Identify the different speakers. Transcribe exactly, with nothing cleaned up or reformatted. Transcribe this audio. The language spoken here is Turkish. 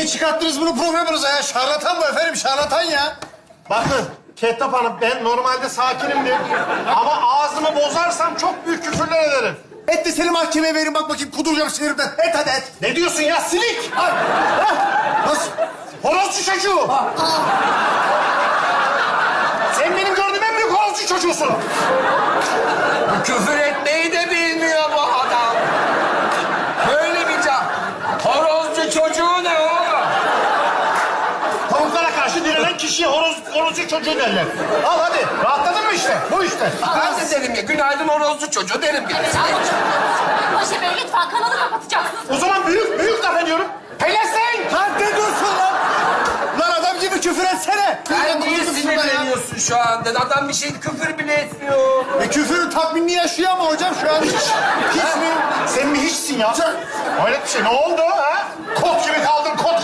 Speaker 1: çıkarttınız bunu programınıza ya? Şarlatan bu efendim, şarlatan ya.
Speaker 2: Bakın Kettap Hanım, ben normalde sakinimdir. Ama ağzımı bozarsam çok büyük küfürler ederim.
Speaker 1: Et de seni mahkemeye verin, bak bakayım kuduracağım sinirimden. Et hadi et.
Speaker 2: Ne diyorsun ya silik?
Speaker 1: Ay. Hah. Nasıl?
Speaker 2: Horozcu çocuğu. Sen benim gördüğüm en büyük horozcu çocuğusun.
Speaker 3: Küfür etmeyi de bilmiyor bu adam. Böyle bir can. Horozcu çocuğu ne oğlum?
Speaker 2: Tavuklara karşı direnen kişiye horoz, horozcu çocuğu derler. Al hadi. Rahatladın mı işte? Bu işte.
Speaker 3: Ben de derim ya, günaydın horozcu çocuğu derim ya.
Speaker 4: Ayşe Bey lütfen kanalı kapatacaksınız.
Speaker 2: O zaman büyük, büyük laf ediyorum. Pelesenk!
Speaker 1: Lan ne dursun lan? Lan adam gibi küfür etsene.
Speaker 3: Sen niye
Speaker 1: Kudursun şurada ya.
Speaker 3: sinirleniyorsun şu anda? Adam bir şey küfür bile etmiyor.
Speaker 1: E küfürün tatminini yaşıyor ama hocam şu an hiç. Hiç mi?
Speaker 2: Sen mi hiçsin ya? Hayret bir şey. Ne oldu ha? Kot gibi kaldın, kot